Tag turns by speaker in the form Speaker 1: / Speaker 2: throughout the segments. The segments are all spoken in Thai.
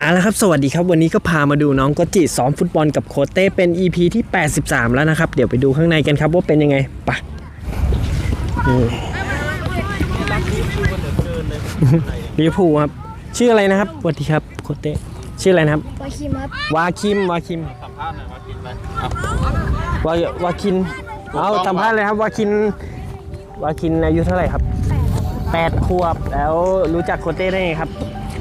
Speaker 1: ละครับสวัสดีครับวันนี้ก็พามาดูน้องโกจิซ้อมฟุตบอลกับโค้ชเต้เป็น EP ที่83แล้วนะครับเดี๋ยวไปดูข้างในกันครับว่าเป็นยังไงไปลิเวอร์พูลครับชื่ออะไรนะครับสวัสดีครับโค้ชเต้ชื่ออะไรนะครับ
Speaker 2: วาคิมครับ
Speaker 1: วาคิมสัมภาษณ์หน่อยวาคินเอาสัมภาษณ์เลยครับวาคินอายุเท่าไหร่ครับ8 ขวบแล้วรู้จักโค้ชเต้ได้ไงครับ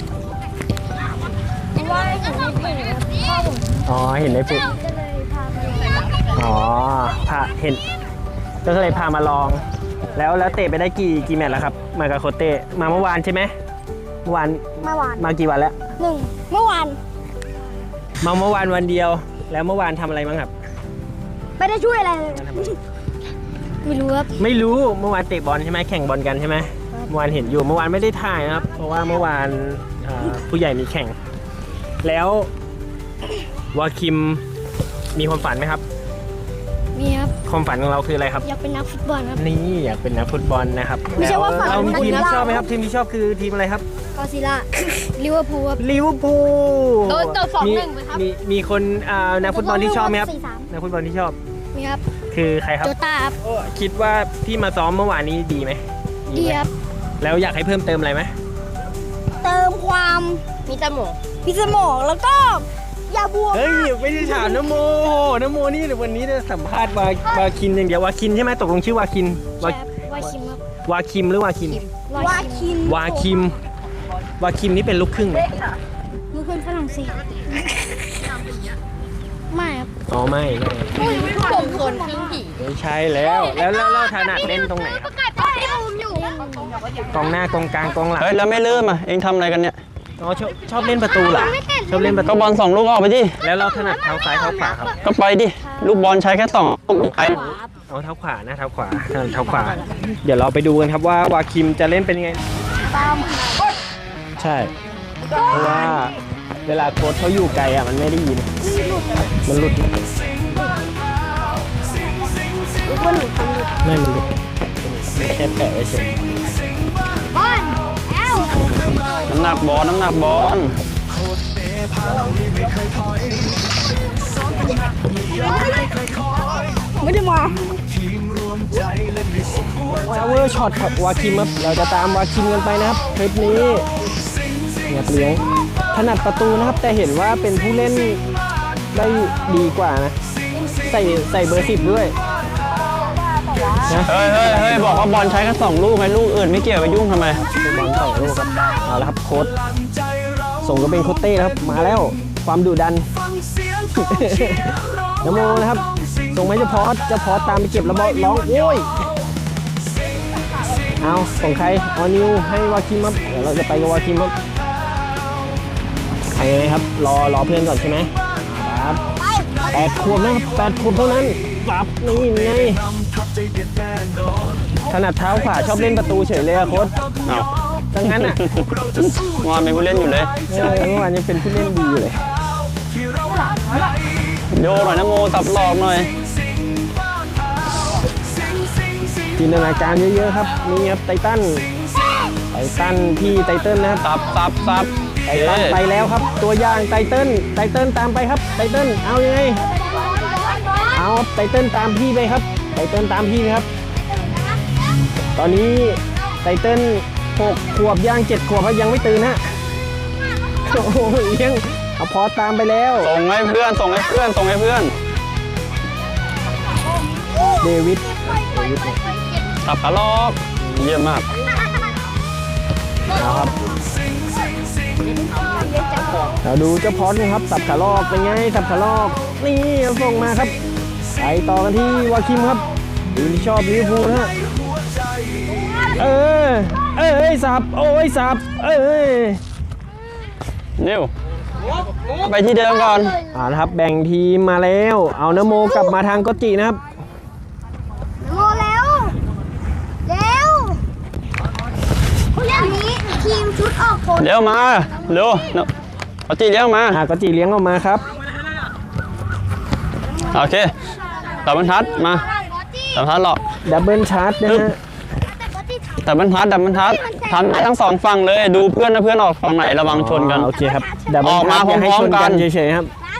Speaker 2: ว่าเห็นในเพจพ่อผม
Speaker 1: อ๋อเห็นในเพจ
Speaker 2: ก็เลยพามาลอง
Speaker 1: อ๋อเห็นก็เลยพามาลองแล้วเตะไปได้กี่แมตช์แล้วครับมากับโค้ชเต้มาเมื่อวานใช่ไหมเมื่อวานมากี่วันแล้ว
Speaker 2: เมื่อวาน
Speaker 1: มาเมื่อวานวันเดียวแล้วเมื่อวานทำอะไรบ้างครับ
Speaker 2: ไม่ได้ช่วยอะไรเลยไม่รู้ครับ
Speaker 1: ไม่รู้เมื่อวานเตะบอลใช่ไหมแข่งบอลกันใช่ไหมเมื่อวานเห็นอยู่เมื่อวานไม่ได้ถ่ายนะครับเพราะว่าเมื่อวานผู้ใหญ่มีแข่งแล้ววาคิมมีความฝันไหมครับ
Speaker 2: มีครับ
Speaker 1: ความฝันของเราคืออะไรครับ
Speaker 2: อยากเป็นนักฟุตบอลครับ
Speaker 1: นี่อยากเป็นนักฟุตบอลนะครับ
Speaker 2: ไม่ใช่ว่าฝัน
Speaker 1: เรามีทีมที่ชอบไหมครับทีมที่ชอบคือทีมอะไรครับ
Speaker 2: กอซิล่าลิเวอร์พูลครับ
Speaker 1: ลิเวอร์พูล
Speaker 2: โดน2-1ไหมครับ
Speaker 1: มีคนนักฟุตบอลที่ชอบไหมครับนักฟุตบอลที่ชอบ
Speaker 2: มีครับ
Speaker 1: คือใครครับ
Speaker 2: โจต้าครับ
Speaker 1: คิดว่าที่มาซ้อมเมื่อวานนี้ดีไหม
Speaker 2: ดีครับ
Speaker 1: แล้วอยากให้เพิ่มเติมอะไรไหม
Speaker 2: เติมความมีสมองแล้วก็อย่าบวม
Speaker 1: เฮ้ยไม่ได้ถามน้ำโมนี่วันนี้จะสัมภาษณ์วาคินอย่างเดียววาคินใช่ไหมตกลงชื่อวาคิน
Speaker 2: วาคิมครับ
Speaker 1: วาคิมหรือวาคิน
Speaker 2: วา
Speaker 1: คิมนี่เป็นลูกครึ่งไหม
Speaker 2: ลูกครึ่งฝรั่งเศสไม่ครับ
Speaker 1: อ๋อไม่
Speaker 2: ผมคนครึ่งผี
Speaker 1: ไม่ใช่แล้วถนัดเล่นตรงไหนครับกองหน้ากองกลางกองหลัง
Speaker 3: เฮ้ยแล้วไม่เริ่มอ่ะเองทำอะไรกันเนี่ย
Speaker 1: อ๋อชอบเล่นประตูเหรอชอบเล่นประตู
Speaker 3: ก็บอล2 ลูกออกไปดิ
Speaker 1: แล้วเราถนัดเท้าซ้ายเท้าขวาครับ
Speaker 3: ก็ไปดิลูกบอลใช้แค่2 ลูกไป
Speaker 1: เอาเท้าขวานะเท้าขวาเดี๋ยวเราไปดูกันครับว่าวาคิมจะเล่นเป็นยังไงใช่เพราะว่าเวลาโค้ชเขาอยู่ไกลอ่ะมันไม่ได้ยินมันหลุดไม่มันหลุดแค่แปะไว้เฉย
Speaker 2: บอล
Speaker 3: น้ำหนักบอล
Speaker 2: ไม่ได้มา
Speaker 1: พาวเวอร์ช็อตครับวาคิมครับเราจะตามวาคิมกันไปนะครับคลิปนี้เนี่ยเลี้ยงถนัดประตูนะครับแต่เห็นว่าเป็นผู้เล่นได้ดีกว่านะใส่เบอร์10ด้วย
Speaker 3: เฮ้ยบอกว่าบอลใช้แค่2 ลูกไงลูกอื่นไม่เกี่ยวไปยุ่งทำไม
Speaker 1: บอล2 ลูกครับเอาละครับโค้ชส่งก็เป็นโค้ชเต้ครับมาแล้วความดุดันน้ำโมนะครับส่งไหมจะพอสตามไปเก็บแล้วร้องโอ้ยเอาส่งใครเอานิวให้วาคิมครับเดี๋ยวเราจะไปกับวาคิมครับใครครับรอเพื่อนก่อนใช่ไหมครับ8 ขวบนะครับ8 ขวบเท่านั้นปั๊บนี่ไงถนัดเท้าขวาชอบเล่นประตูเฉยเลยอะโค้ช
Speaker 3: เอา
Speaker 1: ดังนั้นอ่ะ
Speaker 3: งอนเป็นผู้เล่นอยู่เลย
Speaker 1: เมื่อวานยังเป็นผู้เล่นดีอยู่เลย
Speaker 3: โยหน่อยนะโมสับหลอกหน่อย
Speaker 1: จินตนาการเยอะๆครับนี่ครับไททันพี่ไทเติ้ลนะครับ
Speaker 3: ซับ
Speaker 1: ไททันไปแล้วครับตัวอย่างไทเติ้ลตามไปครับไทเติ้ลเอายังไงเอาไทเติ้ลตามพี่ไปครับไทเติ้ลตามพี่ครับตอนนี้ไทเติ้ล6 ขวบย่าง7 ขวบยังไม่ตื่นฮะโอ้โหยังเอาพอตามไปแล้ว
Speaker 3: ส่งให้เพื่อน
Speaker 1: เดวิด
Speaker 3: สับขาลอกเยี่ยมมาก
Speaker 1: ครับเราดูเจ้าพอดนะครับสับขาลอกเป็นไงสับขาลอกนี่ส่งมาครับไปต่อกันที่วาคิมครับดูที่ชอบลิเวอร์พูลนะสับ
Speaker 3: นิวไปที่เดิมก่อน
Speaker 1: นะครับแบ่งทีมมาแล้วเอานโมกลับมาทางโกจินะครับ
Speaker 2: โมแล้วอย่างนี้ทีมชุดออกผล
Speaker 3: เร็วมาเร็วโกจิเลี้ยงมา
Speaker 1: โกจิเลี้ยงออกมาครับ
Speaker 3: โอเคดับเบิลทัชมาดับเบิลทัชหรอ
Speaker 1: ดับเบิลชาร์จนะฮะ
Speaker 3: ดับเบิลทัชทำได้ทั้งสองฝั่งเลยดูเพื่อนนะเพื่อนออกฝั่งไหนระวังชนกัน
Speaker 1: โอเคครับดับเบิล
Speaker 3: ออกมา
Speaker 1: ทับอย่าให้
Speaker 3: พร้อ
Speaker 1: ช
Speaker 3: ม
Speaker 1: น
Speaker 3: ๆกั
Speaker 1: กัน
Speaker 3: น
Speaker 1: เฉยๆครับ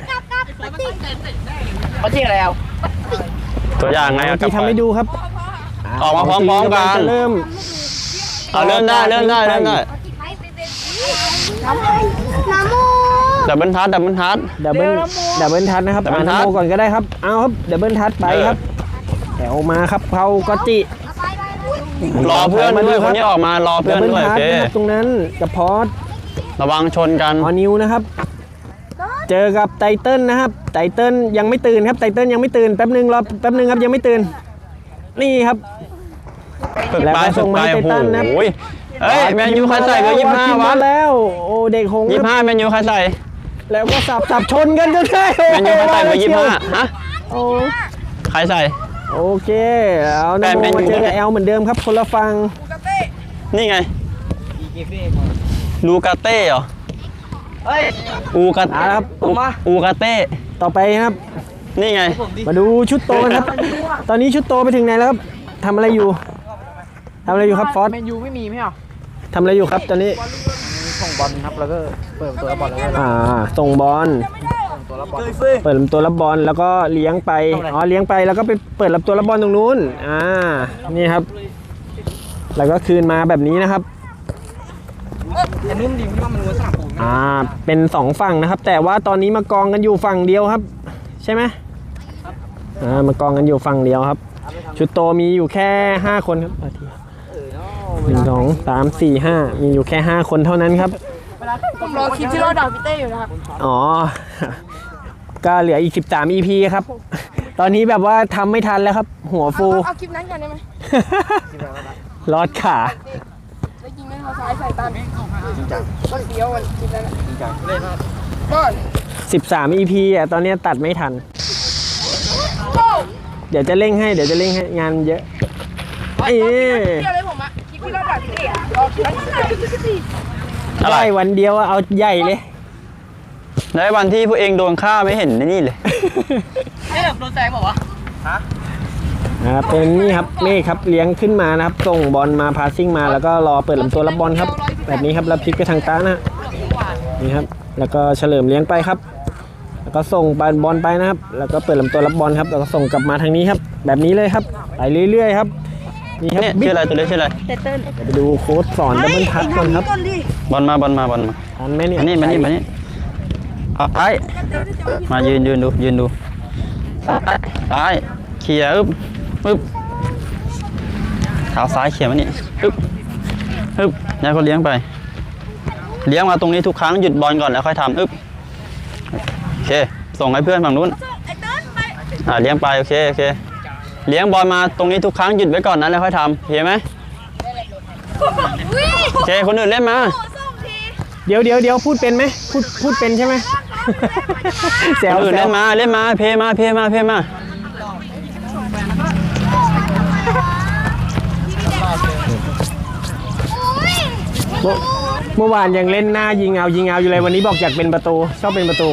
Speaker 4: เขาชื่ออะไรเอา
Speaker 3: ตัวอย่างไง
Speaker 1: เมื่อ
Speaker 3: กับ
Speaker 1: กี้ทำให้ดูครับ
Speaker 3: ออกมาพร้อมๆกัน
Speaker 1: จะเริ่ม
Speaker 3: เอาเริ่มได้เริ่มได้เริ่มได้
Speaker 2: น้ำมู
Speaker 3: ดับเบิลทัช
Speaker 1: ดับเบิลทัชนะครับ
Speaker 3: ดับเบิลทัช
Speaker 1: นโมก่อนก็ได้ครับเอาครับดับเบิลทัชไปครับแถวมาครับเขาก็จิ
Speaker 3: รอเพื่อนด้วยคนนี้ออกมารอเพื่
Speaker 1: ดั
Speaker 3: อบ น
Speaker 1: เบิล
Speaker 3: ด้วย
Speaker 1: ทั
Speaker 3: โอ
Speaker 1: ช
Speaker 3: เค
Speaker 1: นะครับตรงนั้นกับพอส
Speaker 3: ระวังชนกัน
Speaker 1: ออนิวนะครับ เจอกับไตเติ้ลนะครับไตเติ้ลยังไม่ตื่นครับไตเติ้ลยังไม่ตื่นแป๊บนึงรอแป๊บนึงครับยังไม่ตื่นนี่ครับ
Speaker 3: ฝึก
Speaker 1: แล้ว
Speaker 3: ไป
Speaker 1: ก็
Speaker 3: ฝึ
Speaker 1: ส่
Speaker 3: ก
Speaker 1: ง
Speaker 3: ไป
Speaker 1: มาให้
Speaker 3: โอ้
Speaker 1: ไททันนะครับ
Speaker 3: โหเฮ้ยแมนยูใครใส่เบอร์25
Speaker 1: วะ
Speaker 3: วะ
Speaker 1: แล้วโอ้เด็กหงส์ครับ
Speaker 3: 25แมนยูใครใส่
Speaker 1: แล้วก็สับชนกันจนได้
Speaker 3: แมนยูใครใส่เบอร์
Speaker 1: ชียว
Speaker 3: 25ฮะ
Speaker 1: โอ้
Speaker 3: ใครใส่
Speaker 1: โอเคเอา
Speaker 3: แต่
Speaker 1: นะ
Speaker 3: แมนยู
Speaker 1: มาเจอกับแอลเหมือนเดิมครับคนละฝั่ง
Speaker 3: นี่ไงลูกาเต้เหรอ
Speaker 4: เฮ้ย
Speaker 3: อูกา
Speaker 1: เอาละครับ
Speaker 3: อูกาเต้
Speaker 1: ต่อไปครับ
Speaker 3: นี่ไง
Speaker 1: มาดูชุดโตกันครับ ตอนนี้ชุดโตไปถึงไหนแล้วครับทำอะไรอยู่ทำอะไรอยู่ครับฟอส
Speaker 4: แมนยูไม่มีไม่เหรอ
Speaker 1: ทำอะไรอยู่ครับตอนนี้
Speaker 4: ส่งบอลครับแล้วก็เปิดตัวรับบอลแล้วก็
Speaker 1: ส่งบอล
Speaker 4: ตัวรับบอล
Speaker 1: เปิดลำตัวรับบอลแล้วก็เลี้ยงไปอ๋อเลี้ยงไปแล้วก็ไปเปิดลำตัวรับบอลตรงนู้นนี่ครับ แล้วก็คืนมาแบบนี้นะครับ
Speaker 4: อันนี้มันดีที่ว่ามันรู้สนามปูน
Speaker 1: เป็นสองฝั่งนะครับ แต่ว่าตอนนี้มากองกันอยู่ฝั่งเดียวครับ ใช่ไหมมากองกันอยู่ฝั่งเดียวครับ ชุดโตมีอยู่แค่5คนครับ1 2 3 4 5มีอยู่แค่5คนเท่านั้นครับ
Speaker 4: ผมรอคลิปที่เราด่าพี่เต้อยู่นะครับ
Speaker 1: อ๋อ ก็เหลืออีก13 EP ครับ ตอนนี้แบบว่าทำไม่ทันแล้วครับ หัวฟู
Speaker 2: เอาคลิปนั้นก่อนได้ไหม
Speaker 1: รอดขา
Speaker 2: แล้วยิงด้วยเท้าซ้ายใส่ตันก็เสียววันคลิปนั้นก็
Speaker 1: 13 EP ตอนนี้ตัดไม่ทัน เดี๋ยวจะเร่งให้งานเยอะเอ๊ะ
Speaker 2: เดียวเลยผมอะคลิปที่เราด่าพี่เต้อะรอคลิปนั้น
Speaker 3: อะไร
Speaker 1: ได้วันเดียวเอาใหญ่เลย
Speaker 3: ในวันที่พวกเองโดนฆ่าไม่เห็นนี่เลย
Speaker 4: นี่แบบโดนแซงบอกว่า
Speaker 1: เป็นนี่ครับเมฆครับเลี้ยงขึ้นมานะครับส่งบอลมาพาสซิ่งมาแล้วก็รอเปิดลำตัวรับบอลครับ แบบนี้ครับแล้วพลิกไปทางต้านะนี่ครับแล้วก็เฉลิมเลี้ยงไปครับ แล้วก็ส่งบอลไปนะครับ แล้วก็เปิดลำตัวรับบอลครับแล้วก็ส่งกลับมาทางนี้ครับ แบบนี้เลยครับไปเรื่อยๆครับนี่ครับ
Speaker 3: เนี่ยชื่ออะไรตัวเล็กชื่ออะไร
Speaker 1: ไปดูโค้ชสอนดับเบิลทัชก่อนครับ
Speaker 3: บอลมา
Speaker 1: ทันไหมเนี่ย
Speaker 3: อันนี้มานี่เอาไปมายืนดูซ้ายเขี่ยปึ๊บเท้าซ้ายเขี่ยมานี่ปึ๊บแล้วก็เลี้ยงไป เลี้ยงมาตรงนี้ทุกครั้งหยุดบอลก่อนแล้วค่อยทำโอเคส่งให้เพื่อนฝั่งนู้นเลี้ยงไปโอเคเลี้ยงบอลมาตรงนี้ทุกครั้งหยุดไว้ก่อนนั้นแล้วค่อยทำเห็นไหมโอเคคนอื่นเล่นมา
Speaker 1: เดี๋ยวพูดเป็นไหมพูดเป็นใช่ไหม แซ
Speaker 3: คนอื่นเล่นมาเพมา
Speaker 1: เมื่อวานยังเล่นหน้ายิงเอาอยู่เลยวันนี้บอกอยากเป็นประตูชอบเป็นประตู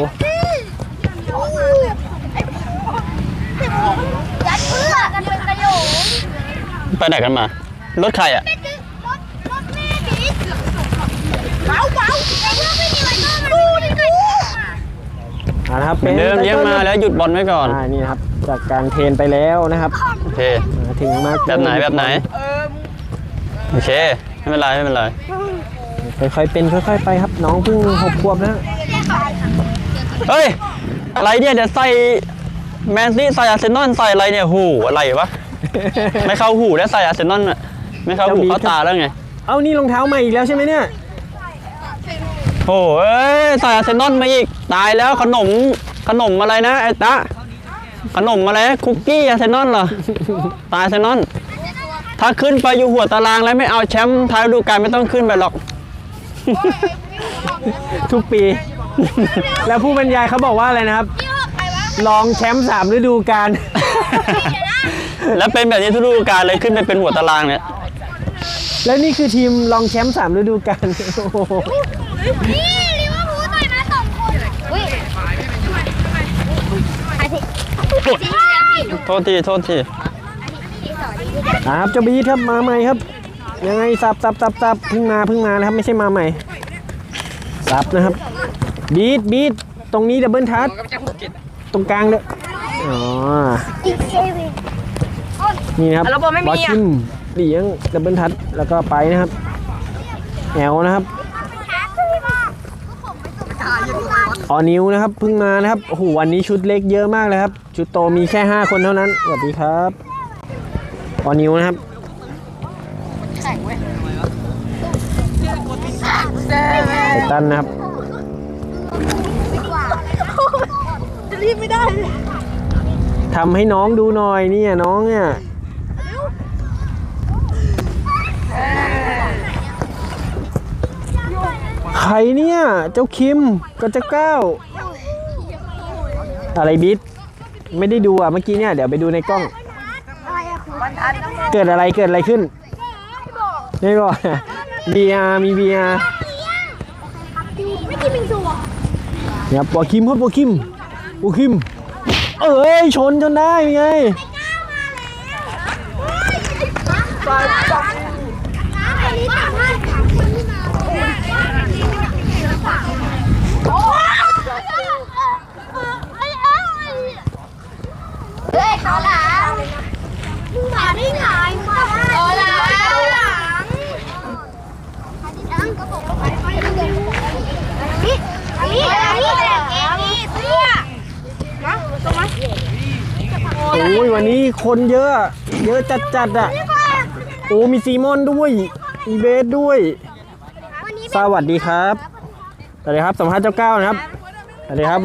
Speaker 2: ยัดเพื่อกันเป็นประโยชน์
Speaker 3: ไปไหนกันมา รถใครอ่ะ
Speaker 2: รถแม่ดิเบาแต่ว่าไม่มีอะไรก็มาดูดิดู
Speaker 1: นะครับ
Speaker 3: เหมือนเดิมเลี้ยงมาแล้วหยุดบอลไว้ก่อน
Speaker 1: นี่ครับจากการเทรนไปแล้วนะครับ
Speaker 3: โอเค
Speaker 1: มาถึงมา
Speaker 3: แบบไหนโอเคไม่เป็นไร
Speaker 1: ค่อยๆเป็นค่อยๆไปครับน้องเพิ่ง6 ขวบนะ
Speaker 3: เฮ้ยอะไรเนี่ยเดี๋ยวใส่แมนซี่ใส่อาร์เซนอลใส่อะไรเนี่ยหูอะไรวะ ไม่เข้าหูแล้วใส่อาร์เซนอลอ่ะไม่เข้าหูเข้าตาแล้วไง
Speaker 1: เอานี่รองเท้าใหม่อีกแล้วใช่ไหมเนี่ย
Speaker 3: โอ้ยใส่อาร์เซนอลมาอีกตายแล้วขนมอะไรนะไอ้ตะขนมอะไรคุกกี้อาร์เซนอลเหรอตายอาร์เซนอลถ้าขึ้นไปอยู่หัวตารางแล้วไม่เอาแชมป์ท้ายฤดูกาลไม่ต้องขึ้นไปหรอก
Speaker 1: ทุกปี แล้วผู้บรรยายเขาบอกว่าอะไรนะครับรองแชมป์3 ฤดูกาล
Speaker 3: แล้วเป็นแบบนี้ทุกฤดูกาลเลยขึ้นไปเป็นหัวตารางเนี่ย
Speaker 1: แล้วนี่คือทีมรองแชมป์3 ฤดูกาล โอ้โห
Speaker 2: นี่ลิเวอร์พูลต่อยมา2 คนอุ้ย
Speaker 3: โทษที
Speaker 1: ครับเจ้าบีทครับมาใหม่ครับยังไงสับเพิ่งมานะครับไม่ใช่มาใหม่สับนะครับบีดตรงนี้ดับเบิลทัชตรงกลางเลยอ๋อนี่นะครับบอสชิมเลี้ยงดับเบิลทัชแล้วก็ไปนะครับแอลนะครับออนิวนะครับเพิ่งมานะครับโอ้โหวันนี้ชุดเล็กเยอะมากเลยครับชุดโตมีแค่5คนเท่านั้นสวัสดีครับออนิวนะครับไททันนะครับ
Speaker 2: จะรีบไม่ได้
Speaker 1: ทำให้น้องดูหน่อยเนี่ยน้องเนี่ยใครเนี่ยเจ้าคิมกับเจ้าก้าวอะไรบิ๊ดไม่ได้ดูอ่ะเมื่อกี้เนี่ยเดี๋ยวไปดูในกล้องเกิดอะไรขึ้นไม่บอกVR มี VR
Speaker 2: ไม่กินบิงซูอ่ะ
Speaker 1: เนี่ยปอคิมครับปอคิมเอ้ยชนจนได้ไง
Speaker 2: เฮ้ยเขาหลังมึงมาได้ไงมาเขาหลังก็บอกว่าไปนี่เสื้อมาตรงมา
Speaker 1: โอ้ยวันนี้คนเยอะจัดอ่ะโอ้มีซีมอนด้วยมีเบสด้วยสวัสดีครับสัมภาษณ์เจ้าก้าวนะครับสวัสดีครับ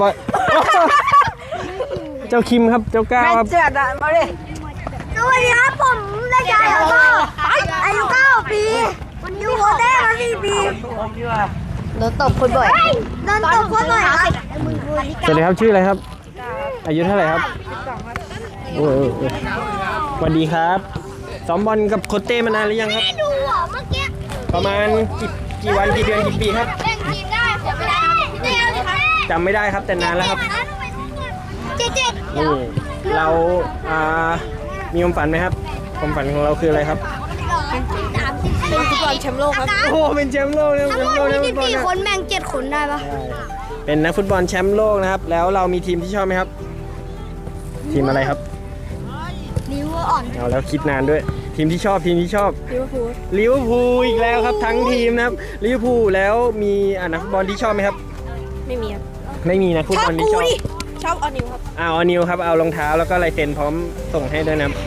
Speaker 1: เจ้าคิมครับเจ้าก้าวครับ
Speaker 2: สวัสดีครับผมเด็กชายอายุ9 ปีอยู่โฮเทล4 ปีโดนตบคนบ่อยครับ
Speaker 1: สวัสดีครับชื่ออะไรครับอายุเท่าไหร่ครับโอ้สวัสดีครับซ้อมบอลกับโคเต้มานานหรือยังครับ
Speaker 2: ดูเมื่อกี้
Speaker 1: ประมาณกี่วันกี่เดือนกี่ปีครับ
Speaker 2: เล่นทีมได้ผมไม่ได้
Speaker 1: จำไม่ได้ครับแต่นานแล้วครับนี่เรามีความฝันไหมครับความฝันของเราคืออะไรครับ
Speaker 2: เป็นฟุตบอลแชมป์โลกครับ
Speaker 1: โอ้เป็นแชมป์โลกนะ
Speaker 2: ทั้งหมดมี14 คนแบ่ง7 คนได้ปะ
Speaker 1: เป็นนักฟุตบอลแชมป์โลกนะครับแล้วเรามีทีมที่ชอบไหมครับทีมอะไรครับ
Speaker 2: ลิเวอร์อ่อน
Speaker 1: เอาแล้วคิดนานด้วยทีมที่ชอบลิเวอร์พูลอีกแล้วครับทั้งทีมนะครับลิเวอร์พูลแล้วมีนักฟุตบอลที่ชอบไหมครับ
Speaker 2: ไม่มีครับ
Speaker 1: ไม่มีนะฟุตบอลที่
Speaker 2: ชอบออนิวครับ
Speaker 1: ออนิวครับเอารองเท้าแล้วก็ลายเซ็นพร้อมส่งให้ด้วยนะ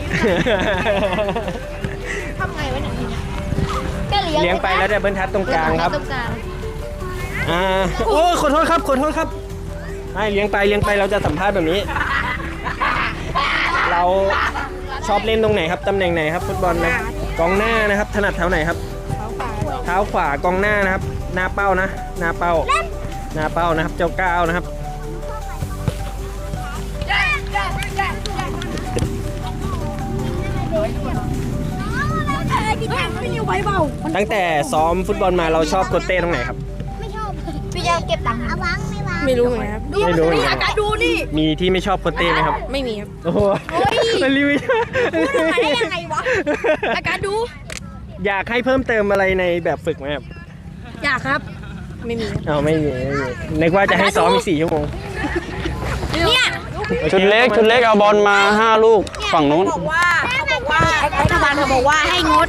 Speaker 2: ทำไงวะเนี่ย
Speaker 1: เลี้ยงไปแล้วได้เบิ้ลทัดตรงกลางครับโอ้ขอโทษครับให้เลี้ยงไปเราจะสัมภาษณ์แบบนี้เราชอบเล่นตรงไหนครับตำแหน่งไหนครับฟุตบอลนะกองหน้านะครับถนัดเท้าไหนครับเท้าขวากองหน้านะครับหน้าเป้านะหน้าเป้านะครับเจ้าก้าวนะครับตั้งแต่ซ้อมฟุตบอลมาเราชอบโคเต้ตรงไหนครับ
Speaker 2: ไม่ชอบพี่จะเก็บตังค์
Speaker 3: ไม่รู้เหมือนกันครับ
Speaker 2: อากาศดูนี่
Speaker 1: มีที่ไม่ชอบโคเต้ไหมครับ
Speaker 3: ไม่มีครับ
Speaker 1: โอ้โหมันรีวิว
Speaker 2: ได้ยังไงวะอากาศดู
Speaker 1: อยากให้เพิ่มเติมอะไรในแบบฝึกไหมครับ
Speaker 2: อยากครับไม่มี
Speaker 1: ไม่มีนึกว่าจะให้ซ้อมอีก4 ชั่วโมง
Speaker 2: เนี่ย
Speaker 3: ชุดเล็กเอาบอลมา5 ลูกฝั่งนู้น
Speaker 2: เขาบอกว่ารัฐบาลเขาบอกว่าให้งด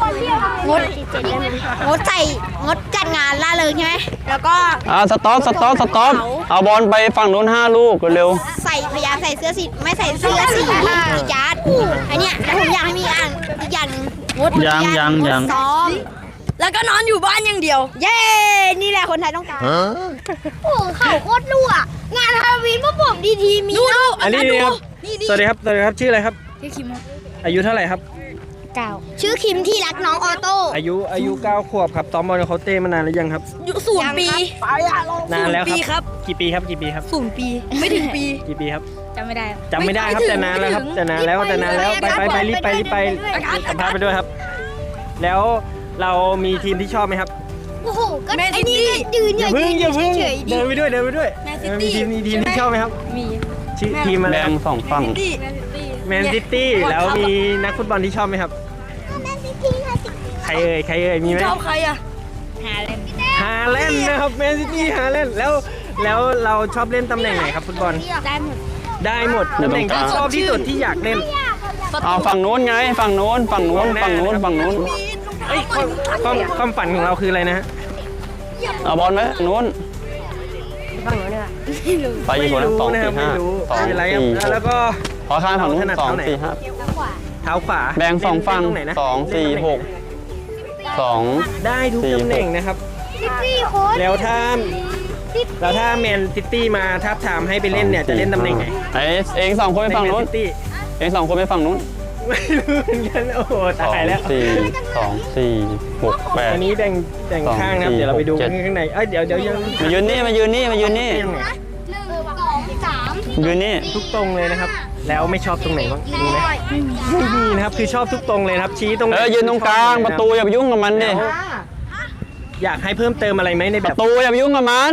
Speaker 2: จัดงานล่าเริงใช่ไหมแล้วก็
Speaker 3: สต๊อปเอาบอลไปฝั่งนู้น5 ลูกเร็ว
Speaker 2: พยายามใส่เสื้อสีไม่ใส่เสื้อสีกีฬาไอเนี่ยแล้วผมอยากให้มีอีกอย่างงด
Speaker 3: ยัง
Speaker 2: ซ้อมแล้วก็นอนอยู่บ้านอย่างเดียวเย้นี่แหละคนไทยต้องการโอ้เขาโคตรรั่วงานฮาโลวีนพวกผมดีมี
Speaker 1: อันนี้ครับสวัสดีครับชื่ออะไรครับ
Speaker 2: ชื่อคิม
Speaker 1: อายุเท่าไหร่ครับ
Speaker 2: ชื่อคิมที่รักน้องออโต้
Speaker 1: อายุ9 ขวบครับซ้อมบอลเขาเต้มานานหรือยังครับ
Speaker 2: 0 ปี
Speaker 1: นานแล้วครับกี่ปีครับ
Speaker 2: 0 ปีไม่ถึงปี
Speaker 1: กี่ปีครับ
Speaker 2: จำไม่ได้
Speaker 1: ครับแต่นานแล้วครับแต่นานแล้วไปรีบไปสัมภาษณ์ไปด้วยครับแล้วเรามีทีมที่ชอบไหมครับ
Speaker 2: โอ้โหก็ไอ้นี่ยืน
Speaker 1: อย่าเพิ่งเดินไปด้วยมีทีมที่ชอบไหมครับ
Speaker 2: มี
Speaker 1: ชื่อทีมอะไร
Speaker 3: แบ่ง2 ฝั่ง
Speaker 1: แมนซิตี้แล้วมีนักฟุตบอลที่ชอบไหมครับใครเอ่ยมีไหม
Speaker 2: ชอบใครอะ
Speaker 1: ฮาแลนด์นะครับแมนซิตี้ฮาแลนด์แล้วเราชอบเล่นตำแหน่งไหนครับฟุตบอลได้หมดตำแหน่งที่ชอบที่สุดที่อยากเล่น
Speaker 3: เอาฝั่งนู้นไงฝั่งนู้น
Speaker 1: เอ้ยความฝันของเราคืออะไรนะฮะ
Speaker 3: เอาบอลไหมนู้นไปอีกคน2 4 5 2
Speaker 1: ไม่เป็นไรครับ
Speaker 3: 4
Speaker 1: แล้วก็
Speaker 3: ขอข้างฝั่งนู้น2 4 5
Speaker 1: เท้าขวา
Speaker 3: แบ่ง2ฝั่ง
Speaker 1: ตรงไหนนะ
Speaker 3: 2 4 6 2
Speaker 1: ได้ทุกตำแหน่งนะครับ
Speaker 2: พี่โค้ช
Speaker 1: แล้วถ้าแมนซิตี้มาทับทามให้ไปเล่นเนี่ยจะเล่นตำแหน่งไหน
Speaker 3: เอง2 คนไปฝั่งนู้น
Speaker 1: แมซิตี้
Speaker 3: เอง2 คนไปฝั่งนู้น
Speaker 1: ไม่รู้เหมือนกันโอ้โหตายแล้ว
Speaker 3: 2 4 6
Speaker 1: อัน
Speaker 3: 8
Speaker 1: นี้แบ่งข้างนะครับ
Speaker 3: 2 4
Speaker 1: เดี๋ยวเราไปดู
Speaker 3: 6 7
Speaker 1: ข้างในเดี๋ยวยัง
Speaker 3: มายืนนี่
Speaker 1: ยังไง
Speaker 3: ยืนนี่
Speaker 1: ทุกตรงเลยนะครับ แล้วไม่ชอบตรงไหนบ้างมีไหมไม่มีนะครับคือชอบทุกตรงเลยนะครับชี้ตรงไหน
Speaker 3: ยืนตรงกลางประตูอย่าไปยุ่งกับมันดิ
Speaker 1: อยากให้เพิ่มเติมอะไรไหมในแบ
Speaker 3: ป
Speaker 1: บ
Speaker 3: ระตูอย่าไปยุ่งกับมัน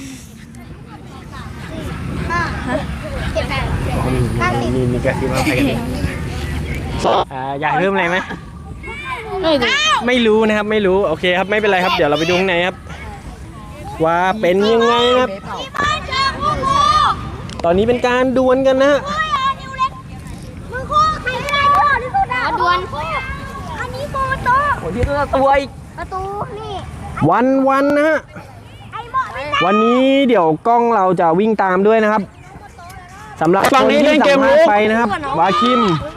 Speaker 1: มีกระซิบว่าใครกันอยากเพิ่มอะไรไหมไม่รู้นะครับไม่รู้โอเคครับไม่เป็นไรครับเดี๋ยวเราไปดูข้างในครับว่าเป็นยังไงครับตอนนี้เป็นการดวลกันนะฮะ
Speaker 2: มือคู่ใครได้ก่อนที่สุดอ่ะดวลอันนี้โกโต้
Speaker 1: โอ้ยตัวอีก
Speaker 2: ประตูนี่
Speaker 1: วันนะฮะ
Speaker 2: ไอ้หมอนี่
Speaker 1: วันนี้เดี๋ยวกล้องเราจะวิ่งตามด้วยนะครับสำหรับ
Speaker 3: ฝั่งนี้เล่นเกม
Speaker 1: ค
Speaker 3: ลุ
Speaker 1: ที่
Speaker 3: ก
Speaker 1: สัภาษณ์ไปนะครับวาคิม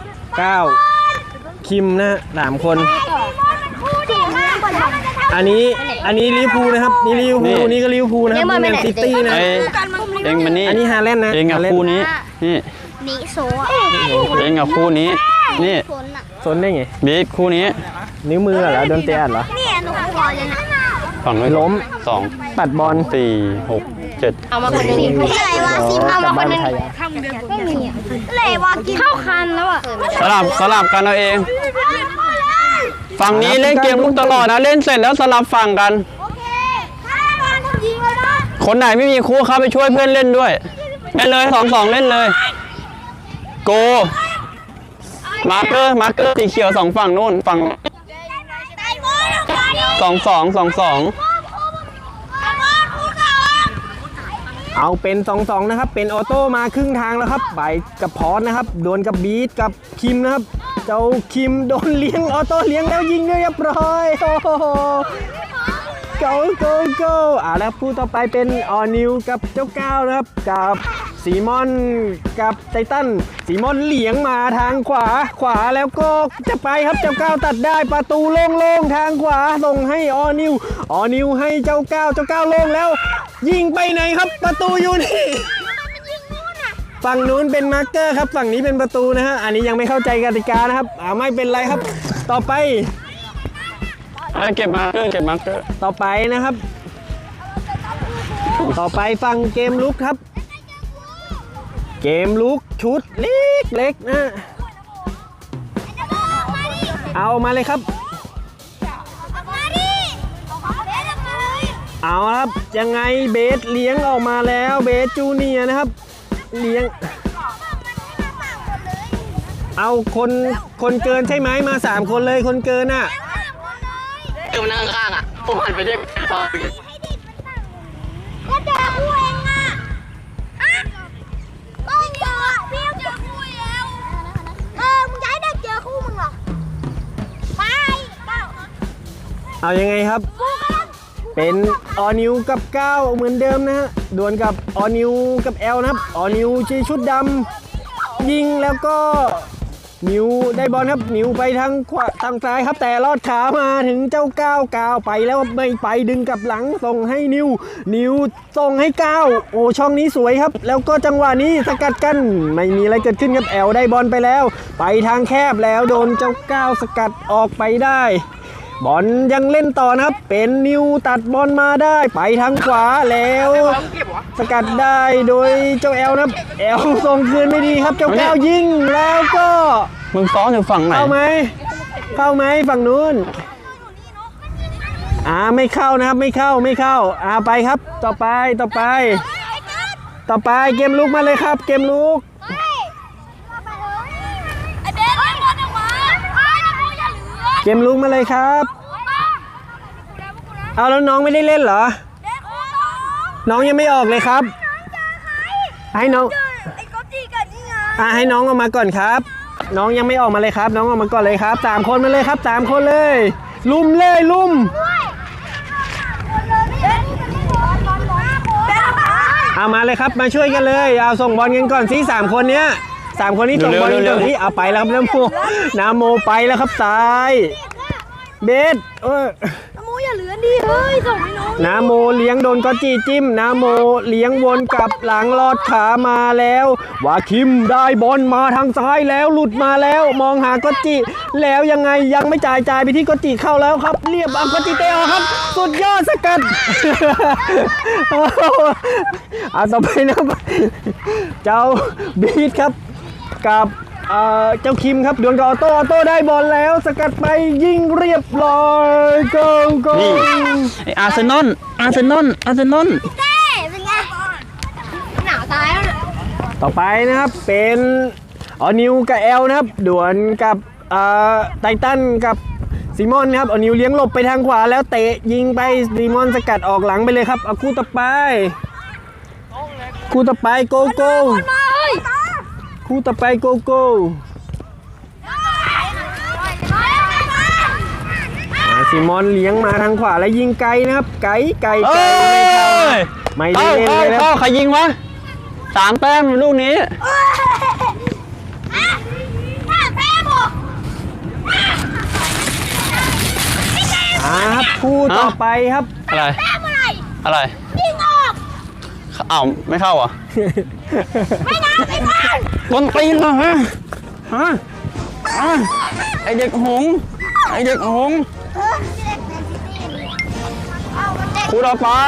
Speaker 1: 9คิมนะ3คน
Speaker 2: คู่ดีมากกว่าเราจะทำ
Speaker 1: อันนี้ลิเวอร์พูลนะครับนี่ลิเวอร์พูลนี่ก็ลิเวอร์พูลนะครับนี่แมนซิตี้นะ
Speaker 3: ไอ้เองมันนี่
Speaker 1: อันนี้ฮาแลนด์นะ
Speaker 3: เองกับคู่นี้นี่
Speaker 2: นิโซอ่ะ
Speaker 3: เองกับคู่นี้นี่
Speaker 2: ฝนอ่ะ
Speaker 1: ซนได้ไง
Speaker 3: บิ๊กคู่นี้
Speaker 1: นิ้วมือเหรอโดนเตะเหรอ
Speaker 2: เนี่ยหนูขอเลยนะ
Speaker 3: ฝั่งนู้น
Speaker 1: ล้ม
Speaker 3: 2
Speaker 1: ปัดบอล
Speaker 3: 4 6 7
Speaker 2: เอามาคนนึงอะไรวะซิมเอามาคนนึงไม่มีอะไรวะกินเข้าคันแล้วอ่ะ
Speaker 3: สลับกันเอาเองฝั่งนี้เล่นเกมลุกตลอดนะเล่นเสร็จแล้วสลับฝั่งกัน
Speaker 2: โอเคถ้าบอลทำยิงเลยนะ
Speaker 3: คนไหนไม่มีคู่เข้าไปช่วยเพื่อนเล่นด้วยเล่นเลย2 เล่นเลยโกมาร์เกอร์สีเขียว2ฝั่งนู้นฝั่ง
Speaker 2: ไอ้บอลเอาไปดิ
Speaker 3: 2
Speaker 1: เอาเป็น2-2นะครับเป็นออโต้มาครึ่งทางแล้วครับไปกับพอสนะครับโดนกับบีทกับคิมนะครับเจ้าคิมโดนเลี้ยงออโต้เลี้ยงแล้วยิงเรียบร้อยโอ้โหโกแล้วผู้ต่อไปเป็นออนิวกับเจ้าก้าวนะครับกับซีมอนกับไททันซีมอนเลี้ยงมาทางขวาแล้วก็จะไปครับเจ้าก้าวตัดได้ประตูโล่งๆทางขวาส่งให้ออนิวให้เจ้าก้าวโล่งแล้วยิงไปไหนครับประตูอยู่นี่ฝั่งนู้นเป็นมาร์เกอร์ครับฝั่งนี้เป็นประตูนะฮะอันนี้ยังไม่เข้าใจกติกานะครับไม่เป็นไรครับต่อไป
Speaker 3: เก็บมาร์เกอร์
Speaker 1: ต่อไปนะครับ ต่อไปฟังเกมลุกครับ เกมลุกชุดเล็กๆนะเอามาเลยครับ เอาครับยังไงเบสเลี้ยงออกมาแล้วเบสจูเนียร์นะครับเลี้ยงเอาคนเกินใช่ไหมมา3คนเลยคนเกินอ่ะ
Speaker 3: มานั่งข้างอ่ะผมหันไปเรียก
Speaker 2: ก็เจอคู่เองอ่ะต้องเจอพี่เจอคู่แล้วมึงจะให้เด็กเจอคู่มึงเหรอไป
Speaker 1: เอายังไงครับ เป็นออนิวกับ9เหมือนเดิมนะฮะดวลกับออนิวกับแอลนะครับออนิวชีชุดดำยิงแล้วก็นิวได้บอลครับนิวไปทางขวาทางซ้ายครับแต่ลอดขามาถึงเจ้าก้าวไปแล้วไม่ไปดึงกลับหลังส่งให้นิวส่งให้9โอ้ช่องนี้สวยครับแล้วก็จังหวะนี้สกัดกันไม่มีอะไรเกิดขึ้นครับแอลได้บอลไปแล้วไปทางแคบแล้วโดนเจ้า9สกัดออกไปได้บอลยังเล่นต่อนะครับเป็นนิวตัดบอลมาได้ไปทางขวาแล้วสกัดได้โดยเจ้าแอลนะครับแอลส่งคืนไม่ดีครับเจ้าก้าวยิงแล้วก็
Speaker 3: มึงซ้อนอยู่ฝั่งไหน
Speaker 1: เข้าไหมฝั่งนู้นไม่เข้านะครับไม่เข้าไปครับต่อไปเกมลุกมาเลยครับเกมลุก
Speaker 2: ไอ้เบสไอ้บอลออกมาไอ้บอลอย่าเหลือ
Speaker 1: เกมลุกมาเลยครับ
Speaker 2: ไอ้
Speaker 1: เอาแล้วน้องไม่ได้เล่นเหรอ น้องยังไม่ออกเลยครับ ให้น้อง
Speaker 2: ไอ้ก๊อฟจี้กันนี่ไง
Speaker 1: ให้น้องออกมาก่อนครับ น้องยังไม่ออกมาเลยครับ น้องออกมาก่อนเลยครับ3 คนมาเลยครับ3 คนเลย ลุมเลยลุมเอามาเลยครับมาช่วยกันเลยเอาส่งบอลกันก่อนสิ3 คนเนี้ย3 คนนี้ส่งบอลกันก่อนสิเอาไปแล้วครับน้ำโมไปแล้วครับซ้ายเบส
Speaker 2: น้ำโมอย่าเหลือดิเฮ้ยส่งให้น้อง
Speaker 1: นาโมเลี้ยงโดนก็จีจิ้มนาโมเลี้ยงวนกลับหลังลอดขามาแล้ววาคิมได้บอลมาทางซ้ายแล้วหลุดมาแล้วมองหาก็จีแล้วยังไงยังไม่จ่ายไปที่ก็จีเข้าแล้วครับเรียบก็จีเตะครับสุดยอดสกัด ต่อไปนะเจ้าบีทครับกับเจ้าคิมครับดวลกับออโต้ได้บอลแล้วสกัดไปยิงเรียบร้อยโก
Speaker 3: นี่ไออาร์เซนอล
Speaker 2: เต้เป็นไงหนาวตายแล้วเนี่ย
Speaker 1: ต่อไปนะครับเป็นนิวกับแอลนะครับดวลกับไททันกับซีมอนครับนิวเลี้ยงหลบไปทางขวาแล้วเตะยิงไปซีมอนสกัดออกหลังไปเลยครับเอาคู่ต่อไปโกโก้คู่ต่อไปโกโก้ซีมอนเลี้ยงมาทางขวาแล้วยิงไกลนะครับไกลไม่ได้เล่นเลยนะ
Speaker 3: ใครยิงวะ3 แต้มลูกนี้
Speaker 1: ครับคู่ต่อไปครับ
Speaker 3: อะไร
Speaker 2: ยิงออก
Speaker 3: อ้าวไม่เข้าอ่ะ
Speaker 2: ไม่ทัน
Speaker 3: คนตีนเหรอฮะไอเด็กหงคู่ต่อไป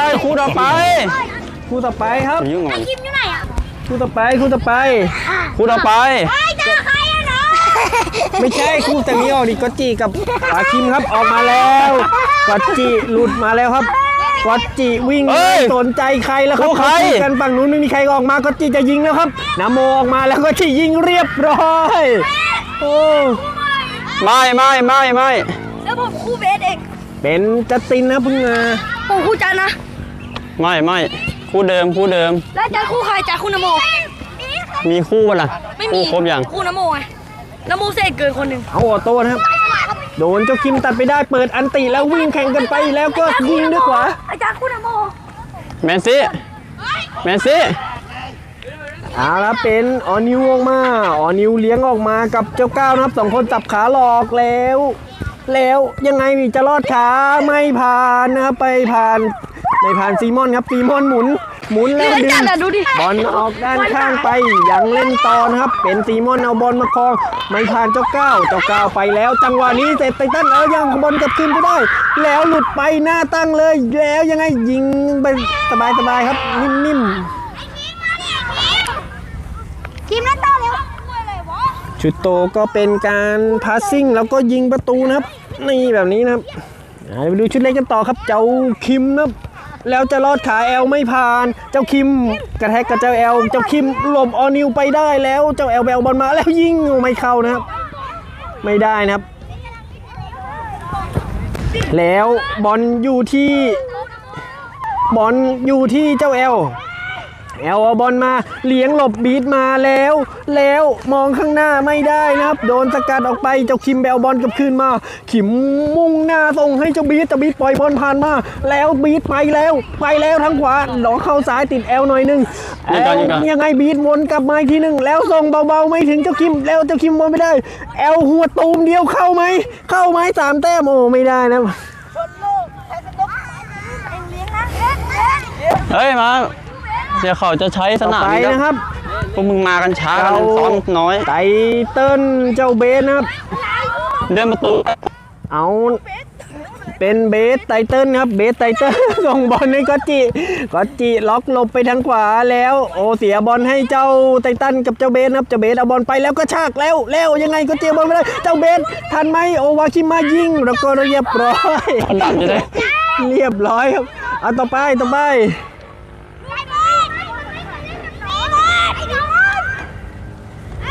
Speaker 3: ครับ
Speaker 2: ยุ่งอะไรคิมอยู่ไหนอ่ะ
Speaker 1: คู่ต่อไป
Speaker 2: เฮ้ยเจอใครอะเนาะ
Speaker 1: ไม่ใช่คู่แต่นี้ออกดิก็จีกับอาคิมครับออกมาแล้วก็จีหลุดมาแล้วครับก็จีวิ่งสนใจใครแล้วครับเขาตีกันฝั่งนู้นไม่มีใครออกมาก็จีจะยิงแล้วครับนาโมออกมาแล้วก็จียิงเรียบร้อยโอ้
Speaker 3: ไม่
Speaker 2: แล้วผมคู่เบสเอง
Speaker 1: เป็นจัสตินนะพึ่งมา
Speaker 2: ผมคู่จันนะ
Speaker 3: ไม่คู่เดิม
Speaker 2: แล้วจันคู่ใครจันคู่นโม
Speaker 3: มีคู่ป่ะล่ะ
Speaker 2: ไม่มี
Speaker 3: ครบยัง
Speaker 2: คู่นโมไงนโมเสกเกินคนหนึ่ง
Speaker 1: เอาออโต้นะครับโดนเจ้าคิมตัดไปได้เปิดอันติแล้ววิ่งแข่งกันไปแล้วก็ยิงด้วยขวา
Speaker 2: อาจารย์คู่นโม
Speaker 3: แมนซี่
Speaker 1: เอาละเป็นนิวออกมานิวเลี้ยงออกมากับเจ้าก้าวนะครับ2 คนจับขาหลอกแล้วยังไงจะรอดขาไม่ผ่านนะครับไม่ผ่านซีมอนครับซีมอนหมุนแล้วดึงบอลออกด้านข้างไปยังเล่นต่อนะครับเป็นซีมอนเอาบอลมาครองไม่ผ่านเจ้าก้าวไปแล้วจังหวะนี้เสร็จไททันยังบอลกลับคืนไปได้แล้วหลุดไปหน้าตั้งเลยแล้วยังไงยิงไปสบายครับนิ่ม
Speaker 2: คิมเล่นต่อเร็ว
Speaker 1: ชุดโตก็เป็นการพาสซิ่งแล้วก็ยิงประตูนะครับนี่แบบนี้นะครับไปดูชุดเล็กกันต่อครับเจ้าคิมนะครับแล้วจะรอดขาแอลไม่ผ่านเจ้าคิมกระแทกกับเจ้าแอลเจ้าคิมหลบนิวไปได้แล้วเจ้าแอลบอลมาแล้วยิงไม่เข้านะครับไม่ได้นะครับแล้วบอลอยู่ที่เจ้าแอลเอาบอลมาเลี้ยงหลบบีทมาแล้วมองข้างหน้าไม่ได้นะครับโดนสกัดออกไปเจ้าคิมแบลบอลกลับคืนมาขิมมุ่งหน้าส่งให้เจ้าบีทปล่อยบอลผ่านมาแล้วบีทไปแล้วทางขวาหลอกเข้าซ้ายติดแอลหน่อยนึงยังไงบีทวนกลับมาอีกทีนึงแล้วส่งเบาๆไม่ถึงเจ้าคิมแล้วเจ้าคิมบอลไม่ได้แอลหัวตูมเดียวเข้าไหม3 แต้มโอ้ไม่ได้นะ
Speaker 3: เฮ้ยมาเดี๋ยวเขาจะใช้สนามนี้
Speaker 1: นะครับ
Speaker 3: พวกมึงมากันช้ากันซ้อมน้อย
Speaker 1: ไตเติ้ลเจ้าเบสนะครับ
Speaker 3: เดินประตู
Speaker 1: เอาเป็นเบสไตเติ้ลครับเบสไตเติ้ลส่งบอลให้ก็จิล็อกหลบไปทางขวาแล้วเสียบอลให้เจ้าไตเติ้ลกับเจ้าเบสครับเจ้าเบสเอาบอลไปแล้วก็ชากแล้วยังไงก็เจียบอลไม่ได้เจ้าเบสทันไหมวาคิมายิงแล้วก็เรียบร้อยเรียบร้อยครับเอาต่อไป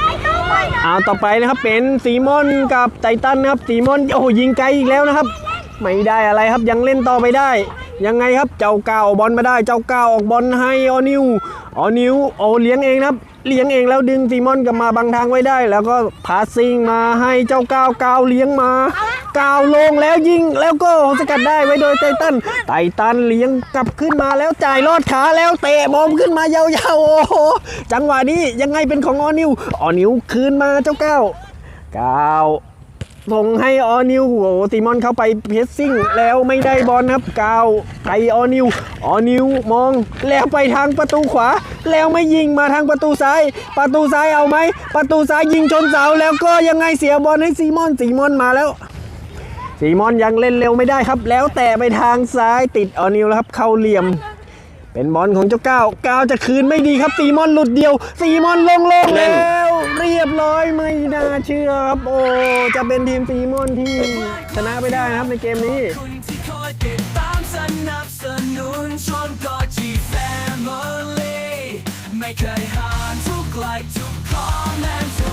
Speaker 1: เอาต่อไปนะครับเป็นซีมอนกับไททันนะครับซีมอนยิงไกลอีกแล้วนะครับไม่ได้อะไรครับยังเล่นต่อไปได้ยังไงครับเจ้าก้าวเอาบอลมาได้เจ้าก้าวออกบอลให้ออนิวเลี้ยงเองนะครับเลี้ยงเองแล้วดึงซีมอนกลับมาบังทางไว้ได้ แล้วก็พาสซิ่งมาให้เจ้าก้าวเลี้ยงมาก้าวลงแล้วยิงแล้วก็สกัดได้ไว้โดยไททันเลี้ยงกลับขึ้นมาแล้วจ่ายลอดขาแล้วเตะบอลขึ้นมายาวๆโอ้โหจังหวะนี้ยังไงเป็นของออนิวคืนมาเจ้าก้าวส่งให้ออนิวโอ้ตีมอนเข้าไปเพสซิ่งแล้วไม่ได้บอลครับก้าวไปออนิวมองแล้วไปทางประตูขวาแล้วไม่ยิงมาทางประตูซ้ายเอาไหมประตูซ้ายยิงชนเสาแล้วก็ยังไงเสียบอลให้ซีมอนมาแล้วซีมอนยังเล่นเร็วไม่ได้ครับแล้วแต่ไปทางซ้ายติดออนิวแล้วครับเข้าเหลี่ยมเป็นบอลของเจ้าก้าวจะคืนไม่ดีครับซีมอนหลุดเดียวซีมอนลงแล้วเรียบร้อยไม่น่าเชื่อครับโอ้จะเป็นทีมซีมอนที่ชนะไปได้นะครับในเกมนี้
Speaker 5: คุณที่คอยติดตามสนับสนุนชนกอจีแฟมิลี่ไม่เคยห่างทุกไลค์ทุกคอมเมนต์